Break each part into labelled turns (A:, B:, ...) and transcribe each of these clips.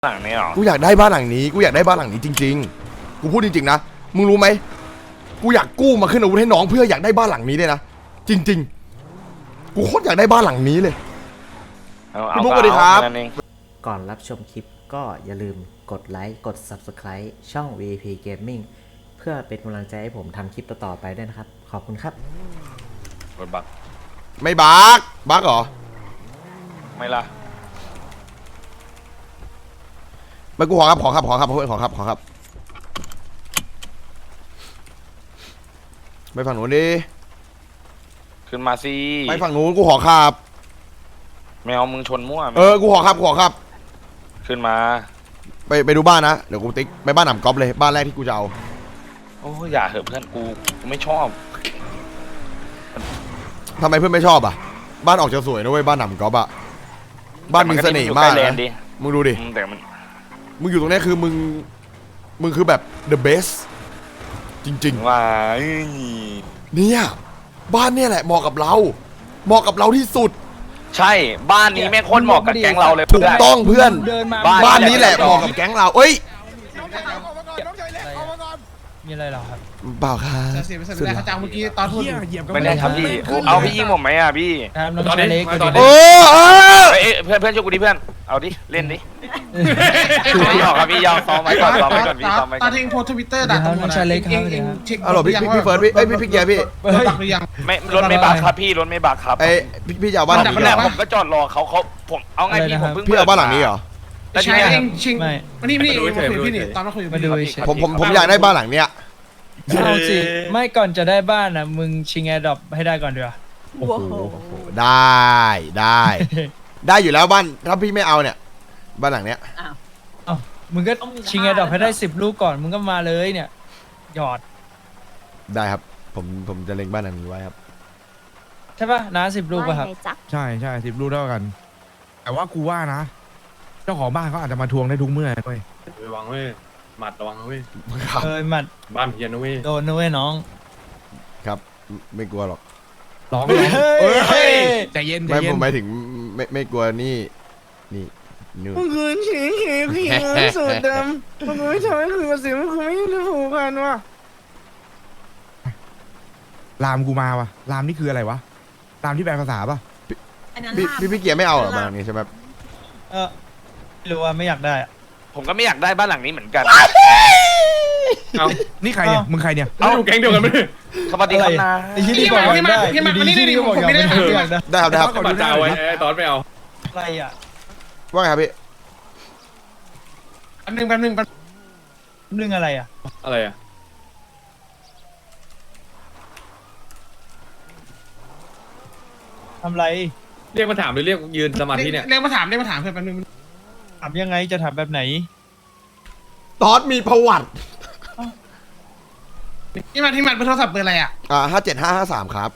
A: หลังนี้หรอ
B: กูอยากได้บ้านหลังนี้กูอยากได้บ้านหลังนี้จริงๆกูพูดจริงๆนะมึงรู้ไหมกูอยากกู้มาขึ้นอาวุธให้น้องเพื่ออยากได้บ้านหลังนี้เลยนะจริงๆกูโคตรอยากได้บ้านหลังนี้เลยพี่บุ๊คสวัสดีครับ
C: ก่อนรับชมคลิปก็อย่าลืมกดไลค์กด Subscribe ช่อง VP Gaming เพื่อเป็นกำลังใจให้ผมทำคลิปต่อๆไปด้วยนะครับขอบคุณครับ
A: กดบัก
B: ไม่บักเหรอ
A: ไม่ล่ะ
B: ไม่กูขอครับเพื่อนขอครับไปฝั่งนู้นดิ
A: ขึ้นมาสิ
B: ไปฝั่งนู้นกูขอครับ
A: ไม่เอามึงชนมั่ว
B: กูขอครับ
A: ขึ้นมา
B: ไปดูบ้านนะเดี๋ยวกูติ๊กไปบ้านหนำก๊อฟเลยบ้านแรกที่กูจะเอา
A: โอ้อย่าเหอะเพื่อนกูไม่ชอบ
B: ทำไมเพื่อนไม่ชอบอ่ะบ้านออกจะสวยนะเว้ยบ้านหนำก๊อฟอ่ะบ้านมึงเสน่ห์มากนะมึงดูดิ
A: แต่มัน
B: มึงอยู่ตรงนี้คือมึงคือแบบ the best จริง
A: ๆว่า
B: เนี่ยบ้านเนี่ยแหละเหมาะกับเราที่สุด
A: ใช่บ้านนี้แม่งโคตรเหมาะกับแก๊งเราเลย
B: ถูกต้องเพื่อนบ้านนี้แหละเหมาะกับแก๊งเราเอ้ย
D: มีอะไรหรอครับ
B: เปล่าครับ
E: เสียไปสัญญาจ้างเมื่อกี้ตอนพูด
A: ไม่ได้ครับพี่เอาพี่ยิงผมไหมอ่ะพี่
D: ตอนเล็ก
A: เพื่อนช่วยกูดิเพื่อนเอาดิเล่นดิพี่ออกครับพี่ยอมซ้อมไว้ก่อนพี่ซ้อมไว้
E: ตอนที่โพสทวิตเตอร์ด่าตำรวจเองเช็ค
B: พี่เฟิร์สพี่เกียร์พี่
E: บักหรือยัง
A: ไม่รถไม่บักครับพี่รถไม่บักครับ
B: พี่จะเอาบ้านหลังนี้
A: ผมก็จอดรอเขาผมเอาไงพี่ผมเพิ่ง
B: พี่เอาบ้านหลังนี้เหรอ
E: ใช่เองชิงมานี่พี่นี่ตอนมาคุย
D: มาดู
B: ผมอยากได้บ้านหลังเนี้ย
D: เอาสิไม่ก่อนจะได้บ้านอ่ะมึงชิงแอร์ดรอปให้ได้ก่อนเดี๋ยว
B: โอ้โหได้อยู่แล้วบ้านถ้าพี่ไม่เอาเนี่ยบ้านหลังเนี้ย
D: อ้าวมึงก็ชิงแอร์ดรอปให้ได้10 ลูกก่อนมึงก็มาเลยเนี่ยหยอด
B: ได้ครับผมจะเล็งบ้านหลังนี้ไว้ครับ
D: ใช่ป่ะนะ10 ลูกป่ะครับ
F: ใช่10 ลูกเท่ากันแต่ว่ากูว่านะเจ้าของบ้านเขาอาจจะมาทวงได้ทุกเมื่อเลย
G: ระวังเว้ยหมัดระวังเว้ย
D: หมัด
G: บ้านเพียนนะเว้ย
D: โดนนะเว้ยน้อง
B: ครับไม่กลัวหรอก
F: ร้องใจเย็น
B: ไม่ผมหมายถึงไม่กลัวนี่นู่น
F: มึงคืนเฉยพี่สุดดำมึงไม่ทำให้คืนภาษีมึงไม่ได้ผูกพันวะรามกูมาวะรามนี่คืออะไรวะรามที่แปลภาษาป่ะ
B: พี่เกียร์ไม่เอาหรอบ้านนี้ใช่ไหม
D: ไม่รู้ว่าไม่อยากได้
A: ผมก็ไม่อยากได้บ้านหลังนี้เหมือนกัน
F: เอานี่ใครเนี่ยมึงใครเนี่ย
G: เอาแก๊งเดียวกันไหม
A: สวัสดีครับนะ
E: ที่บอกว่าได้ที่บอกว่าได้
B: ได้ครับ
G: ก็มาจ่าไว้ตอนไม่เอา
D: อะไรอ่ะ
B: ว่าไงครับพี่
E: แป๊บนึง
D: อะไรอ่ะ
G: อะไรอ่ะ
D: ทำไร
G: เรียกมาถามหรือเรียกยืนสมาธิเนี่ย
E: เรียกมาถามเพื่อนแป๊บนึง
D: ถามยังไงจะถามแบบไหน
B: ตอดมีประวัติ
E: ที่มันเป็นโทรศัพท์เบอร์อะไรอ่ะ
B: 57553ครับ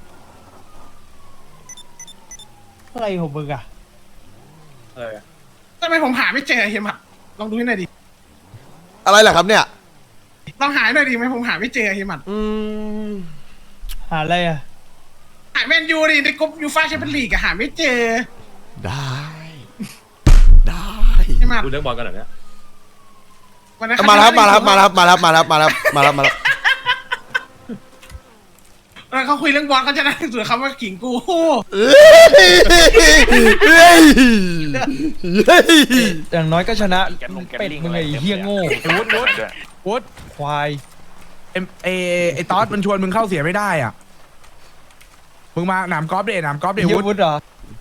D: อะไรของมึงอะ
G: อะไรอ่ะ
E: ทำไมผมหาไม่เจอเฮียมัดลองดูให้หน่อยดิ
B: อะไรล่ะครับเนี่ย
E: ลองหาหน่อยดิไหมผมหาไม่เจอเฮียมัด
D: หาอะไรอะ
E: หาแมนยูดิในกลุ่มยูฟ่าแชมเปี้ยนลีกหาไม่เจอ
B: ได้
E: เฮียมัด
G: ดูเรื่องบอลกันหน่อยเนี่ย
B: มาแล้ว
E: เขาคุยเรื่องบอลเขาจะได้ส่วนคำว่าขิงกู
D: อย่างน้อยก็ชนะเป็ดมึงไอ้เฮี้ยโง่
F: วุฒ
D: ควาย
F: ไอ้ต๊อดมันชวนมึงเข้าเสียไม่ได้อ่ะมึงมาหนามกอล์ฟเด
D: วุฒเหรอ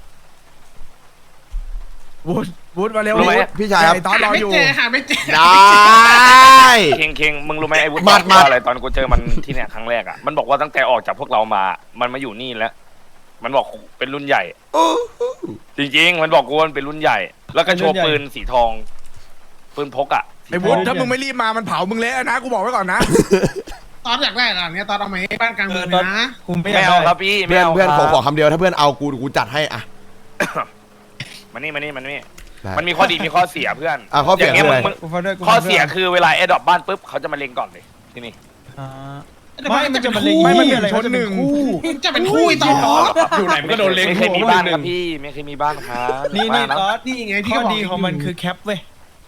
F: วุฒมาเร็ว
B: พี่ชาย
F: ไอ้ต๊อดรออยู่
E: หาไม่เจอ
B: ได้
A: เคงมึงรู้ไหมไอ้วุฒิมาอะไรตอนกูเจอมันที่เนี่ยครั้งแรกอ่ะมันบอกว่าตั้งแต่ออกจากพวกเรามามันมาอยู่นี่แล้วมันบอกเป็นรุ่นใหญ่จริงๆมันบอกกูมันเป็นรุ่นใหญ่แล้วก็โชว์ปืนสีทองปืนพกอ่ะ
F: ไอ้วุฒิถ้ามึงไม่รีบมามันเผามึงเละนะกูบอกไว้ก่อนนะ
E: ตอนอยากได้หรอเนี่ยตอนเอาไหมบ้านกลางเมืองนะ
A: ไม่เอาครับพี่
B: เพื่อนขอคำเดียวถ้าเพื่อนเอากูจัดให้อ่ะ
A: มันนี่มันมีข้อดีมีข้อเสียเพื่อน
B: ข้อเสียคืออะไร
A: ข้อเสียคือเวลาแอร์ดรอปบ้านปุ๊บเขาจะมาเล็งก่อนเลยที่นี่
D: ไม่มันจะมาเล็ง
F: ไม่มันเหมือนชนหนึ่ง
E: จะเป็นคู่ต่อ
G: อยู่ไหนมันก็โดนเล็ง
A: ไม่เคยมีบ้านครับพี่ไม่เคยมีบ้านครับ
D: นี่ต๊อดนี่ไงที่ข้อดีของมันคือแคปเว้ย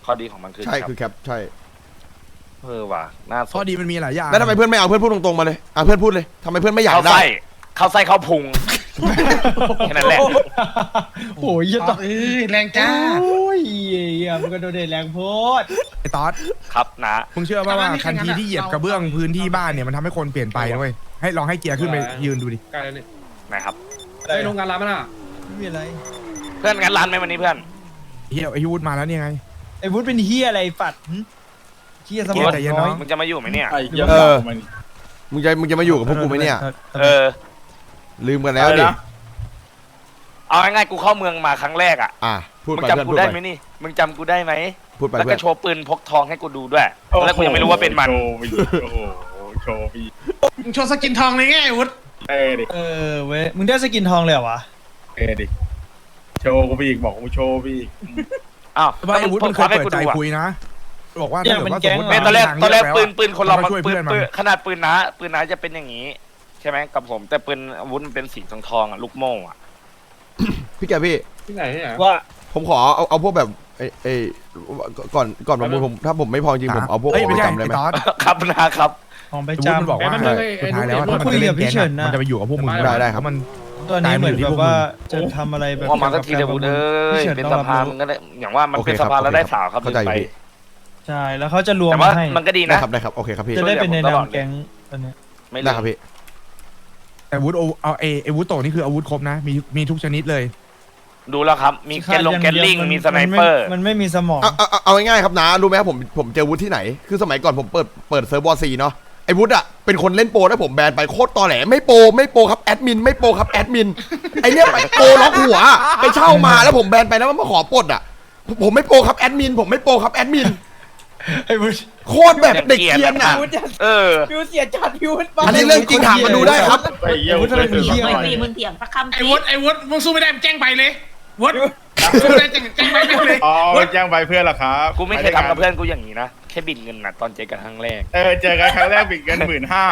A: ข้อดีของมันคือ
B: ใช่
A: รับ
B: คือแคปใช่
A: ว่ะน่าส
F: ข้อน ดีมันมีหลายอย่าง
B: แล้วทำไมเพื่อนไม่เอาเพื่อนพูดตรงๆมาเลยเพื่อนพูดเลยทำไมเพื่อนไม่อยาก
A: เข้า
B: ได้
A: ไส้เข้าไส้เข้าพุงแค่นั้นแหละ
D: โอ้ยอย่า
E: ต
D: ต
E: อดแรงจ้า
D: โอ้ยมันก็โดนเด็ดแรงโพด
F: ไอ้ตอส
A: ครับนะ
F: มึงเชื่อป่ะว่าทันทีที่เหยียบกระเบื้องพื้นที่บ้านเนี่ยมันทำให้คนเปลี่ยนไปด้วยให้ลองให้เกียร์ขึ้นไปยืนดูดิ
G: ใกล้แล้วนี่
A: นะครับ
G: ไอ้โรงงานร้านมันอ่ะ
D: ไม่มีอะไร
A: เพื่อนงานร้านไหมวันนี้เพื่อน
F: เฮียไอ้ยูดมาแล้วเนี่ยไง
D: ไอ้วุฒิเป็นเฮียอะไรฝัดเฮียสมอง
F: ใจเย็น
D: น้
F: น้
D: อ
F: อย ย
A: มึงจะมาอยู่ไหมเนี่ย
B: มึงจะมาอยู่กับพวกกูไหมเนี่ย
A: เออ
B: ลืมกันแล้วดิ
A: เอาง่ายๆกูเข้าเมืองมาครั้งแรกอ่ะ
B: พูด
A: มึง
B: ไป
A: จำ
B: เพื่อน
A: กู
B: พูด
A: ได้
B: ไป
A: ไหมนี่มึงจำกูได้ไหม
B: พูดไป
A: แล้ว
B: เพื่
A: ก็
B: อน
A: โชว์ปืนพกทองให้กูดูด้วยแล้วกูยังไม่รู้ว่าเป็นมัน
G: โชว์พี่โอ้โหโชว์พี่
E: มึงโชว์สกินทองเลยไงไอ้วุฒิ
G: ดิ
D: เออเว้ยมึงได้สกินทองเลยเหรอวะ
G: ดิโชว์กูพี่อีกบอกกูโชว์พี่อีก
A: อ้าว
F: ว่าไอ้วุฒิมันเคย
A: ให้
F: เปิด
A: กู
F: ใจ
A: ดูอ่ะ
F: คุยนะบอกว่าถ้าเกิดว่าสมมติ
A: ไม่ตอนแรกปืนคนเรา
F: มาช่วย
A: ปื
F: เพื่
A: น
F: อนมัน
A: ขนาดปืนน้าจะเป็นอย่างนี้ ใช่ไหมกับผมแต่ปืนอาวุธมันเป็นสีทองอ่ะลูกโม่อ่ะ
B: พี่แกพี่
G: ที่ไหนที่ไหน
D: ว่า
B: ผมขอเอาพวกแบบไอ้ก่อนประมูลผมถ้าผมไม่พอจริงผมเอาพวก
F: เอ้ย
B: ของ
F: ไม่
B: ไป
F: ใช่
B: จำได้ไหม
F: ไอ้ตอส
A: ครับนะครับ
D: ของไป
F: ไอ้วุฒิมัน
D: จำ
F: บอกว่า
G: ไอ้มัน
F: สุ
G: ไอ้
F: ดท้ายแล้ว
G: ไอ้
F: ถ้ามัน
D: คุย
F: จะ
D: กั
F: เล่
D: บ
F: น
D: พี่
F: แก๊ง
D: เฉิน
F: อะ
D: น่ะ
F: มันจะไปอยู่กับพวกมึง
B: ได้ครับ
F: เพาะมัน
D: ตอนนี้เหมือนแบบว่าจะทำอะไรแบบ
A: พอมาสักทีเดี๋ยวพูดเอ้ยเป็นสภามันก็ได้อย่างว่ามันเป็นสภาแล้วได้สาวครับ
B: เข้าใจ
A: ไป
B: พี่
D: ใช่แล้วเขาจะรวม
A: แต่ว่า
D: ให้
A: มันก็ดี
B: ได้
A: นะ
B: ครับได้ครับโอเคครับพี่
D: จะได้เป็นใน
A: ตล
D: นา
A: อ
D: ม
A: ดเลย
D: แก๊งตอนเนี้ย
A: ไม่
B: ได้
A: รู้
B: ครับพี่
F: แต่วุฒิเอาไอ้วุฒิโตนี่คืออาวุธครบนะ มีทุกชนิดเลย
A: ดูแล้วครับ มีแกนลงแกนลิงมีสไนเปอร์
D: มันไม่มีสมอง
B: เอาง่ายๆครับนะรู้ไหมครับผมเจอวุฒิที่ไหนคือสมัยก่อนผมเปิดเซิร์ฟวอร์ซีเนาะไอ้วุฒิอ่ะเป็นคนเล่นโปรแล้วผมแบนไปโคตรตอแหลไม่โปรครับแอดมินไม่โปรครับแอดมินไอเนี้ยไปโปรล็อกหัวไปเช่ามาแล้วผมแบนไปแล้วมันมาขอปลดอ่ะผมไม่โปรครับแอดมินผมไม่โปรครับแอดมิน
D: ไอ้วุฒิ
B: โคตรแบบเด็กเกรียนอ่ะ
A: เออ
D: พิวเสียจัดพิว
B: อันนี้เรื่องจริงถามมาดูได้ครับ
G: ไอ้เหี้ย
D: วุฒิอะไรมีเหี้ย
H: ไม่มีมึงเถียงสักคำ
E: ไอ้วุฒิมึงสู้ไม่ได้มึงแจ้งไปเลยวุฒิสู้ไม่ได้แจ้งไปแม่งเลย
G: อ๋อ
E: วุฒิ
G: แจ้งไปเพื่อนเหรอครับ
A: กูไม่เคยทำกับเพื่อนกูอย่างนี้นะแค่บินเงินน่ะตอนเจอกันครั้งแรก
G: เจอกันครั้งแรกบิดกัน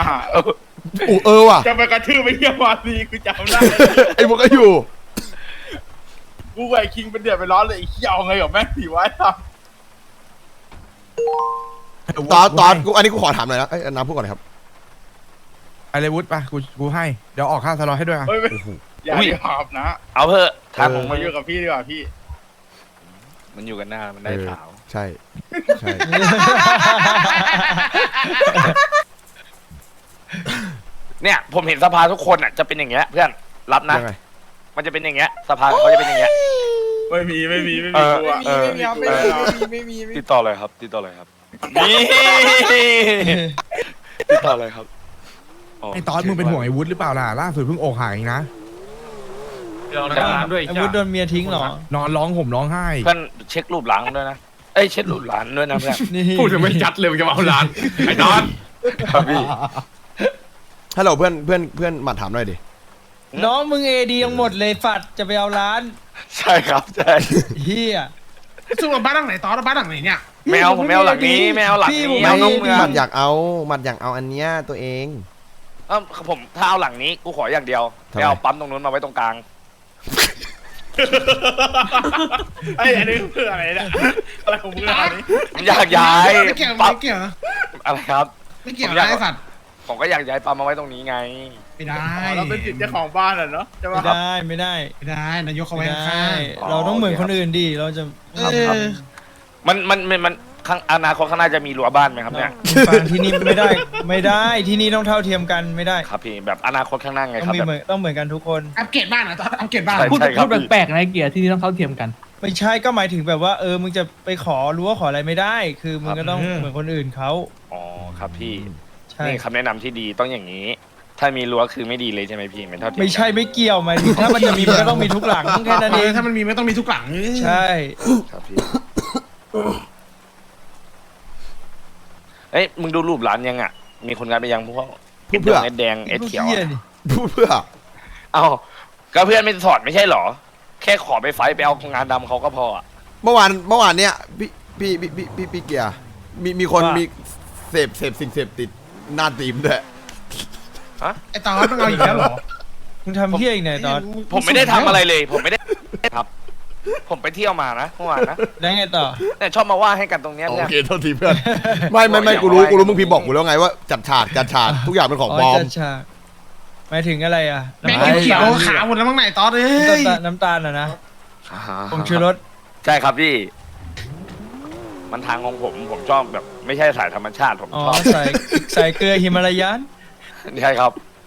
G: 15,000
B: ว่ะ
G: จะไปกระทืบไปเยี่ยมวาซีกูจำได้
B: ไอ้พวกก็อยู่
G: กูไอ้คิงเป็นเดือดไปร้อนเลยไอ้เหี้ยเอาไงกับแม่งถีไว้ท
B: ตอนกูอันนี้กูขอถามหน่อยนะไอ้น้ำพูดก่อนครับ
F: ไอ้เลยวุฒิไปกูให้เดี๋ยวออกค่าสล็อตให้ด้วยอ่ะ
G: ำไม่อย่าดีหอบนะ
A: เอาเถอะทางของมึ
G: มาง อยู่กับพี่ดีกว่าพี่
A: มันอยู่กันหน้ามันได้สาว
B: ใช่
A: เนี่ยผมเห็นสภาทุกคนอ่ะจะเป็นอย่างเงี้ยเพื่อนรับนะ
B: ยังไง
A: มันจะเป็นอย่างเงี้ยสภาเขาจะเป็นอย่างเงี้ย
G: ไม่มีกูอะ
A: ติดต่อเลยครับติดต่อเลยครับนี่ติดต่อเลยครับ
F: ไอ้ตอสมึงเป็นห่วงไอ้วุฒิหรือเปล่าล่ะล่าสุดเพิ่งอกหักเองนะ
G: ด้วย
D: ไอ้วุฒิโดนเมียทิ้งเหรอน
F: อนร้องห่มร้องไห้
A: เพื่อนเช็ครูปหลังด้วยนะเอ้ยเช็ครูปหลานด้วยนะเพื่อน
D: นี่
G: พูดจะไม่จัดเลยจะมาเอาร้านไอ้นอน
A: ครับพี่
B: ฮัลโหลเพื่อนมาถามหน่อยดิ
D: น้องมึงเอดียังหมดเลยฝัดจะไปเอาร้าน
A: ใช่ครับใช่
D: เฮีย
E: สู้กับบ้านหลังไหนต่อแล้วบ้านหลังไหนเนี่ย
A: ไม่เอาผมไม่เอาหลังนี้ไม่เอาหลัง
D: พี่
A: นี้
D: ผม
A: เอาน้องเมือง
B: หมัดอยากเอาอันเนี้ยตัวเอง
A: ผมถ้าเอาหลังนี้กูขออย่างเดียว
B: ทำไม
A: ไม่เอาปั๊มตรงนู้นมาไว้ตรงกลาง
G: ไอ้อันนี้คืออะไรเนี่ยอะไรของมึงอันนี้
A: ผมอยากย้าย
E: ไม่เกี่ยว
A: ปั๊ม
E: ไม่เกี่ยว
A: อะไรครับ
E: ไม่เกี่ยวนะไอ้สัตว์
A: ผมก็อยากย้ายปั๊มมาไว้ตรงนี้ไง
E: ไม่ได้
G: เราเป็นสิทธิ์เจ้าของบ้านอ่ะเนาะใช่
D: ไม่
G: ปะ
D: ได้ไม่ได้
E: ไม่ได้นายกเขา
D: ไม่
E: ไว้
D: ได้
E: ข้าง
D: เราต้องเหมือนคนอื่นดิเราจะ
E: ๆ
A: ครับครับ มันข้างอนาคตข้างหน้าจะมีรั้วบ้านไหมครับเนี่ย
D: ฟังที่นี่ไม่ได้ที่นี่ต้องเท่าเทียมกันไม่ได้
A: ครับพี่แบบอนาคตข้างหน้าไง
D: ต้อ
A: ครับ
D: งมี
A: แบบ
D: เหมือนกันทุกคน
E: อัปเกรดบ้านนะตอนอัปเกรดบ้าน
A: ใช่
I: พูด
A: ครับ
I: แปลกๆนะเกียร์ที่นี่ต้องเท่าเทียมกัน
D: ไม่ใช่ก็หมายถึงแบบว่ามึงจะไปขอรั้วขออะไรไม่ได้ คือมึงก็ต้องเหมือนคนอื่นเขา
A: อ๋อครับพี่
D: ใช่
A: นี่คำแนะนำที่ดีต้องอย่างนี้ ถ้ามีรั้วคือไม่ดีเลยใช่ไหมพี่ไม่เท่าเทียมกัน
D: ไม่ใช่ไม่เกี่ยวหมายถึงถ้ามันจะมีมันก็ต้องมีทุกหลังแค่นั้นเอง
E: ถ้ามันมีไม่ต้องมีทุกหลัง
D: ใช่
A: ครับพี่เอ้ยมึงดูรูปร้านยังอ่ะมีคนงานไปยังพวก
B: พูดเพื่อ
A: เอ็ดแดงเอ็ดเขียว
D: หี้
A: อะ
D: นี่
B: พูดเพื่อ
A: เอ้าก็เพื่อนไม่สอนไม่ใช่เหรอ แค่ขอไปไฟท์ไปเอางานดำเขาก็พออ่ะ
B: เมื่อวานเนี่ยพี่เกียร์มีคนมีเสพสิ่งเสพติดหน้าตีมด้วย
E: ไอ้ตอนต้องเอาอีกแล้วเหรอ
D: มึงทำเพี้ยอีกไหนตอน
A: ผมไม่ได้ทำอะไรเลย ผมไม่ได้ครับผมไปเที่ยวมานะเมื่อวานนะ
D: แล้วไงต่อ
A: แต่ชอบมาว่าให้กันตรงเนี้ย
B: โอ
A: เนี่ย
B: เคโทษทีเพื่อนไม่กูรู้มึงพิมพ์บอกกูแล้วไงว่าจัดฉากทุกอย่างเป็นของปลอม
D: จัดฉากหมายถึงอะไรอ่ะ
E: แม่งเขียวๆขาวหมดแล้วมั้งไหนตอสเอ้ย
D: น้ำตาลอ่ะนะผงชูรส
A: ใช่ครับพี่ มันทางของผมชอบแบบ ไม่ใช่สายธรรมชาติผม
D: อ๋อ
A: ชอบ
D: ใส่เกลือฮิมาลายัน
A: ใช่ครับ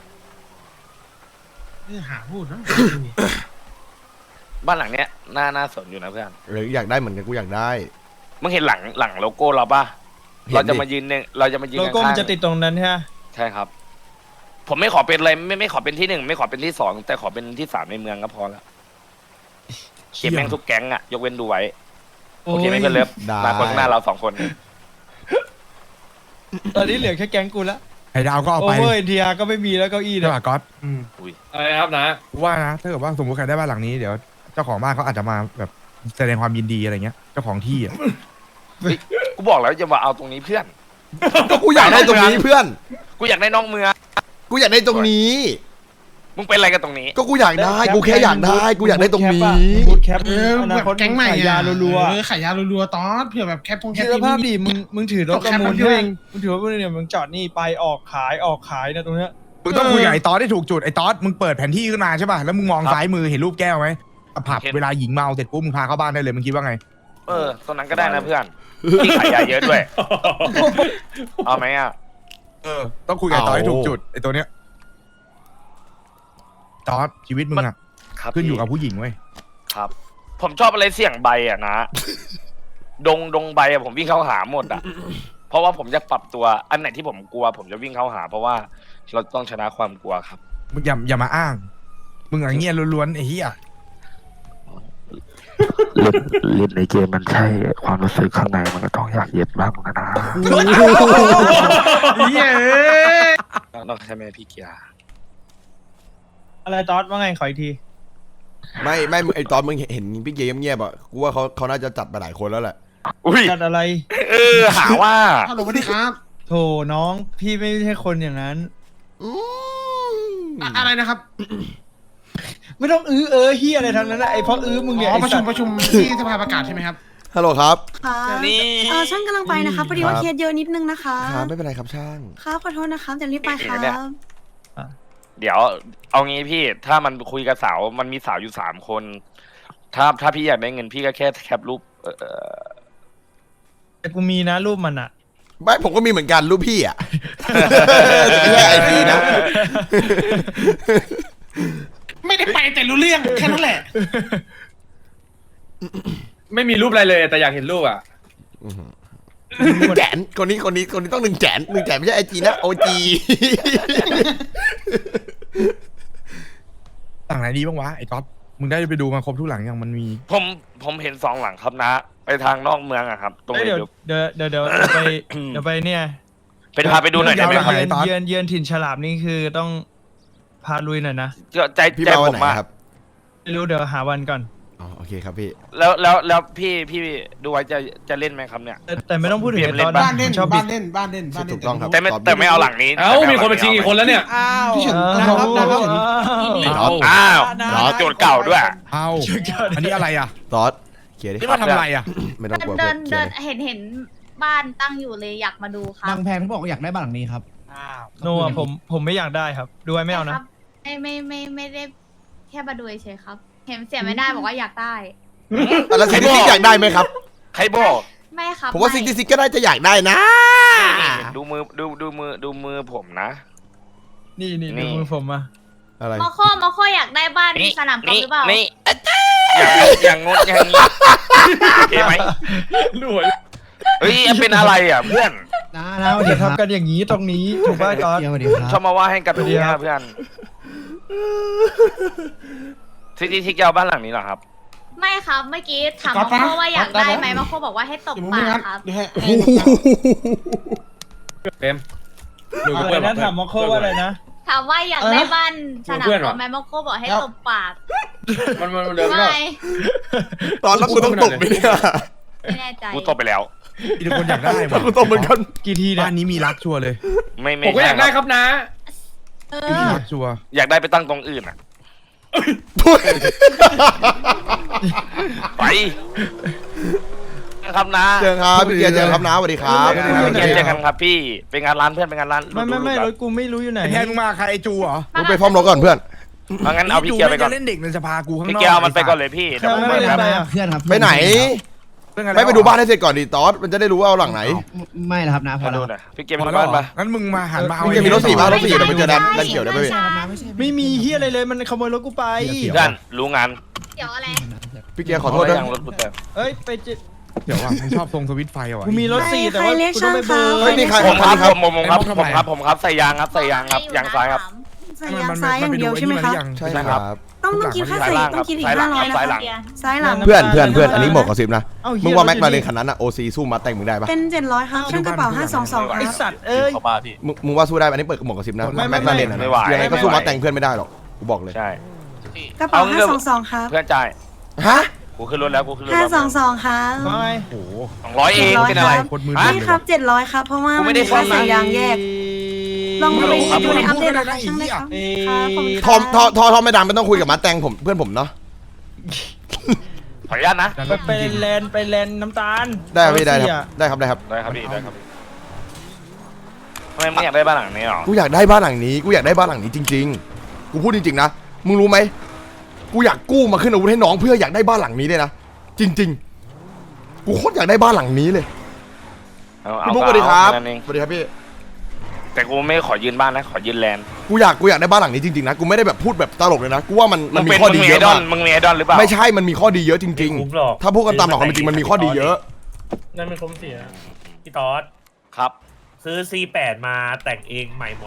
E: หาพูดนะ
A: บ้านหลังเนี้ยน่าสนอยู่นะเพื่อน
B: อยากได้เหมือนกันกูอยากได้
A: มึงเห็นหลังโลโก้เราป่ะ
B: เห็นดิ
A: เราจะมายืนเนี่ยเราจะมายืน
D: โลโก้
A: ข้างๆ
D: มันจะติดตรงนั้นใช่ไหม
A: ใช่ครับ ผมไม่ขอเป็นอะไรไม่ขอเป็นที่ 1 ไม่ขอเป็นที่ 2 แต่ขอเป็นที่ 3ในเมืองก็พอแล้วเก็บแม่งทุกแก๊งอะยกเว้นดูไว้โอเคไหมเพื่อนเลิฟ
B: ได้
A: มาคนข้างหน้าเรา2 คน
D: ตอนนี้เหลือแค่แก๊งกูละ
F: ไอ้ดาวก็เอา
D: โอ
F: ไป
D: เวอร์เอ็นทีอาร์ก็ไม่มีแล้วเก้าอี้
F: ใช่
D: เนี่ย
F: ป่ะก๊อต
G: อะไรครับนะ
F: กูว่านะถ้าเกิดว่าสมมติใครได้บ้านหลังนี้เดี๋ยวเจ้าของบ้านเขาอาจจะมาแบบแสดงความยินดีอะไรเงี้ยเจ้าของที่อ่ะ
A: กูบอกแล้วจะมาเอาตรงนี้เพื่อน
B: ก็กูอยากได้ตรงนี้เพื่อน
A: กูอยากได้น้องเมือง
B: กูอยากได้ตรงนี้
A: มึงเป็นอะไรกันตรงนี้
B: ก็กูอยากได้กูแค่อยากได้กูอยากได้ตรงนี้
D: บูทแคป
E: เออ
D: อนา
E: แบบ
D: คต
E: แก๊งใหม่
D: ขายยารัว
E: เออขายยารัวๆตอสเผื่อแบบแคปพง
D: ๆ
E: แค
D: คิ
E: ป
D: ดสภาพดิมึงถือรถประมูล
E: แคป
D: ด้วย
E: เอง
D: มึงถือรถประมูลเนี่ยมึงจอดนี่ไปออกขายนะตรงเนี้ย
F: มึงต้องคุยกับไอ้ตอสได้ถูกจุดไอ้ตอสมึงเปิดแผนที่ขึ้นมาใช่ป่ะแล้วมึงมองซ้ายมือเห็นรูปแก้วไหมผับ
A: เห็น
F: เวลาหญิงเมาเสร็จปุ๊บมึงพาเข้าบ้านได้เลยมึงคิดว่าไง
A: ตรงนั้นก็ได้นะเพื่อนที่ขายยาเยอะด้วย เอาไหมอ่ะ
F: ต้องคุยกับไอ้ตอสให้ถูกจุดไอ้ตัวเนี้ยตอสชีวิตมึงอ่ะ
A: ครับ
F: ขึ้นอยู่
A: พี่
F: กับผู้หญิงเว้ย
A: ครับ ผมชอบอะไรเสี่ยงใบอ่ะนะ ดงใบอ่ะผมวิ่งเข้าหาหมดอ่ะ เพราะว่าผมจะปรับตัว อันไหนที่ผมกลัว ผมจะวิ่งเข้าหา เพราะว่าเราต้องชนะความกลัวครับ
F: มึงอย่ามาอ้าง มึงอย่างเงี้ยล้วนๆไอ้เหี้ย
H: เล่นในเกมมันใช่ความรู้สึกข้างในมันก็ต้องอยากเย็ดบ้างนะ
E: เย้ย
A: ต้องใช่ไหมพี่เกียร์
D: อะไรตอสว่าไงขออีกที
B: ไม่ไอตอนมึงเห็นพี่เกมเงียบอ่ะกูว่าเขาน่าจะจัดไปหลายคนแล้วแหละ
A: อุ้ย
D: จัดอะไร
A: หาว่า
E: ฮัลโหลสวัสดีครับ
D: โถน้องพี่ไม่ใช่คนอย่างนั้น
E: อะไรนะครับ
D: ไม่ต้องเฮียอะไรทั้งนั้นนะไอ้เพราะมึงเนี่ย
E: อ๋อ
D: ไอ้
E: ประ
D: สั
E: ชุ
D: ต
E: ม
D: ว์
E: ประชุมที่สภาประกาศใช่ไหมครับ
B: ฮัลโหลครับ
J: ค่ะ
A: นี่
J: ช่างกำลังไปนะคะพอดีว่าเคสเยอะนิดนึงนะคะ
B: ครับไม่เป็นไรครับช่าง
J: ครับขอโทษนะคะจะรีบไปครับ
A: เดี๋ยว เอางี้พี่ ถ้ามันคุยกับสาว มันมีสาวอยู่3 คน ถ้าพี่อยากได้เงินพี่ก็แค่แคปรูป
D: แต่กูมีนะรูปมันอะ
B: ไม่ผมก็มีเหมือนกันรูปพี่อ่ะ แต่ไม่ใช่ไอพีนะ
E: ไม่ได้ไปแต่รู้เรื่องแค่นั้นแหละ
G: ไม่มีรูปอะไรเลยแต่อยากเห็นรูปอ่ะ
B: แจนคนนี้ต้อง1 แสนไม่ใช่ไอจีนะโอจี
F: หลังไหนดีบ้างวะไอ้ต๊อดมึงได้ไปดูมาครบทุกหลังยังมันมี
A: ผมเห็น2 หลังครับนะ ไปทางนอกเมืองอะครับ ตรง
D: เอ้ย
A: นี้
D: เดี๋ยวไปเดี๋ยวไปเนี่ย
A: ไปพาไปดูหน่อยได้ไหมครับ
F: เดี๋ยว
D: เยือนถิ่นฉลามนี่คือต้องพาลุยหน่อยนะ
A: ใจ
B: พี่
A: ใจ
B: มา
A: ผ
B: วัน
A: ม
B: ไหน
A: อะ
B: ครับ
D: ไม่รู้เดี๋ยวหาวันก่อน
B: อ๋อโอเคครับพี่
A: แล้วพี่ดูไว้จะเล่นไหมครับเนี่ย
D: แต่ไม่ต้องพูดถึงไอ้ตอน
E: บ้านเล่น
D: ชอบ
E: บ้า
D: บิ
E: น
D: ด
E: เล่นบ้านเล่นบ้านเล่น
B: ถูกต้องครับ
A: แต่ไม่เอาหลังนี้
G: เอ้ามีคนมาชิงอีกคนแล้วเนี่ย
E: พี่เฉินนะครับนะครับ
A: อ้าวโจทย์เก่าด้วย
F: เอ้าอันนี้อะไรอ่ะ
B: ซอสเคลียร์ดิ
F: นี่มาทำอะไรอ่ะ
B: ไม่ต้องกลัว
J: เดิ
B: เพื่อน นเคลียร์ดิ
J: เห็นบ้านตั้งอยู่เลยอยากมาดูครับ
I: บางแพงเขาบอกว่าอยากได้บ้านหลังนี้ครับ
D: โนอะผมไม่อยากได้ครับ ดูไว้ไม่เอานะ
J: ไม่ได้แค่มาดูเฉยๆครับ เห็นเสียไม่ได้บอกว่าอยากได้
B: แล้วซิกซิกอยากได้ไหมครับ
A: ใครบอก
J: ไม่ครับ
B: ผมว่าซิกซิกก็น่าจะอยากได้นะ
A: ดูมือผมนะ
D: นี่
A: นี่
D: ดูมือผมมา
B: อะไร
J: มอโคอยากได้บ้านมีสนามกอล์ฟหรือเปล่า
A: นี่อย่างงดอย่างนี้โอเคไหม
G: รวย
A: เฮ้ยเป็นอะไรอ่ะเพื่อน
I: นะ
D: อย่า
I: สวัสดีครับ
D: ทำกันอย่างนี้ตรงนี้ถูกป่ะตอน
I: สวัสดีค
A: ช
I: รั
A: อบบ มาว่าให้กันตรงนี้นะเพื่อนทิกเอาบ้านหลังนี้เหรอครับ
J: ไม่ครับเมื่อกี้ถามมอโคว่าอยากได้ไหมมอโคบอกว่าให้ตบ
E: เดี๋ยวมึง
J: ปา
E: ไม่
J: ก
E: งั้น
J: ครับ
E: เดี๋ยวให้
G: เต็ม
D: อะไรนะถามมอโคว่าอะไรนะ
J: ถามว่าอยากได้บ้านสนามกอล์ฟไหมมอโคบอกให้ตบปาก
G: มันเดินไม่ได้
J: ไม่
B: ตอนแล้วกูต้องตบไหมเนี่ย
J: ไม่แน่ใจ
A: กูตบไปแล้ว
F: มีแต่คนอยากได้ว่ะ
B: กูตบเหมือนกัน
D: กี่ทีเนี่ย
F: บ้านนี้มีรักชัวร์เลย
A: ไม่
G: ผมก็อยากได้ครับนะ
J: เอ
F: มี
J: อ
F: รักชัวร์
A: อยากได้ไปตั้งตรงอื่นอ่ะไปครับนะ
B: เจอครับพี่เกียร์เจอครับนะสวัสดีครับ
A: เจอกันครับพี่เป็นงานร้านเพื่อนเป็นงานร้าน
D: ไม่รถกูไม่รู้อยู่ไหน
F: ไอ้แทนมึงมาใครไอ้จูเหรอ
B: มึงไปฟ้อมรถก่อนเพื่อน
A: งั้นเอาพี่เกียร์ไปก่อน
F: จะเล่นเด็กในสภากูข้างนอก
A: พี่เกียร์เอามันไปก่อนเลยพี่เดี๋ยวผม
D: ไม่
A: ไป
D: เล่น
A: ครับ
D: อะไรอ่ะ
I: เพื่อนครับ
B: ไปไหน ไม่ไปดูบ้านให้เสร็จก่อนดิตอสมันจะได้รู้ว่าเอาหลังไหน
I: ไม่นะครับนะพอ
A: มา
I: แล้
A: ดู
I: ว
A: หน่อยพี่เกียร์
F: พ
A: ไป
F: อ
A: ดู
F: แล้ว
A: บ้าน
F: เหร
A: ปะ
F: องั้นมึงมาหันมาเอา
B: พี่เกียร์มีรถสี่บ้านรถสี่เดี๋ยวไปเจอดันเขียวได้ไหมพี่
D: ไม่มีเฮียอะไรเลยมันขโมยรถกูไป
A: เพื่อนรู้งาน
J: เดี๋ยวอะไร
B: พี่เกียร์ขอโทษด้วย
A: ยังรถกูเต็ม
D: เอ้ยไปเจ
F: เดี๋ยวว่ะมึงชอบทรงสวิตช์ไฟว่ะ
D: กูมีรถ4แต่ว่ากูต้องไปเบิร์
B: เฮ้ยนี่ใคร
A: ผมครับ
B: ครับ
A: ผมครับใส่ยางครับยางซ้ายครับ
K: ใส่ยางซ้ายอย่างเดียวใช่ไหมครับ
B: ใช่ครับ
K: ต้องคิดค่าใส่ต้องคิดอีก
A: ซ้ายหลัง
K: 500นะ
A: ซ้ายหลัง
K: ซ้ายหลัง
B: เพื่อนอันนี้หมวกกระซิบนะ
D: เอ้าเหี้ย
B: มึงว่าแม็กมาเลนคันนั้นอะโอซีสู้มาแต่งมึงได้ปะ
K: เป็น700ครับช่างกระเป๋า522ค
D: ไอ
K: รับ
D: สัตว์เอ้ย
G: เข้ามาพี่
B: มึงว่าสู้ได้ปะอันนี้เปิดหมวกกระซิบนะ
D: ไม่
B: แม็กมาเลนอะ
A: ไม่ไหว
B: ยังไงก็สู้มาแต่งเพื่อนไม่ได้หรอกกูบอกเลย
A: ใช่
K: กระเป๋า522ครับ
A: เพื่อนจ่าย
B: ฮะ
A: กูขึ้นรถแล้วกูขึ้นรถแล้ว
K: 522ครับ
D: ไม่
F: โอ้โห
A: 200เองเป็นอะไร
F: โคตรมือ
A: ฮะ
K: นี่ครับ700ครับเพราะว่า
A: กู
K: มั
A: ไม่
K: น
A: ได้
K: มีค่า
A: ใช้
K: ใส่ยางแยกลองไปดูในอัปเดตราคาช่างได้ครับครับผม
B: ทอมไม่ดังไม่ต้องคุยกับมาแต่งผมเพื่อนผมเนาะ
A: ขออนุญาตนะ
D: ไปแลนน้ำตาล
B: ได้ครับพี่ได้
D: รถ
B: ครับ
D: 4
B: ได้ครับได้ครับ
A: ได้ครับพี่ได้ครับทำไมไม่อยากได้บ้านหลังนี้หรอ
B: กูอยากได้บ้านหลังนี้กูอยากได้บ้านหลังนี้จริง ๆ กูพูดจริงๆนะมึงรู้ไหมกูอยากกู้มาขึ้นอาวุธให้น้องเพื่ออยากได้บ้านหลังนี้เลยนะจริง ๆ กูโคตรอยากได้บ้านหลังนี้เลยพี่บุ๊กสวัสดีครับสวัสดีครับพี่
A: แต่กูไม่ขอยืนบ้านนะขอยืนแลนด์
B: กูอยากได้บ้านหลังนี้จริงๆนะกูไม่ได้แบบพูดแบบตลกเลยนะกูว่ามันมี
A: เป็น
B: ข้อดีเยอะ
A: ดอ
B: มาน ก
A: มึงมีไอดอลหรือเปล่า
B: ไม่ใช่มันมีข้อดีเยอะจริง ๆ ถ้าพูดกันตามหลักความเป็นจริงมันมีข้อดีเยอะ
L: นั่นเป็นคุ้มเสียพี่ตอด
A: ครับ
L: ซื้อ C8 มาแต่งเองใหม่หมด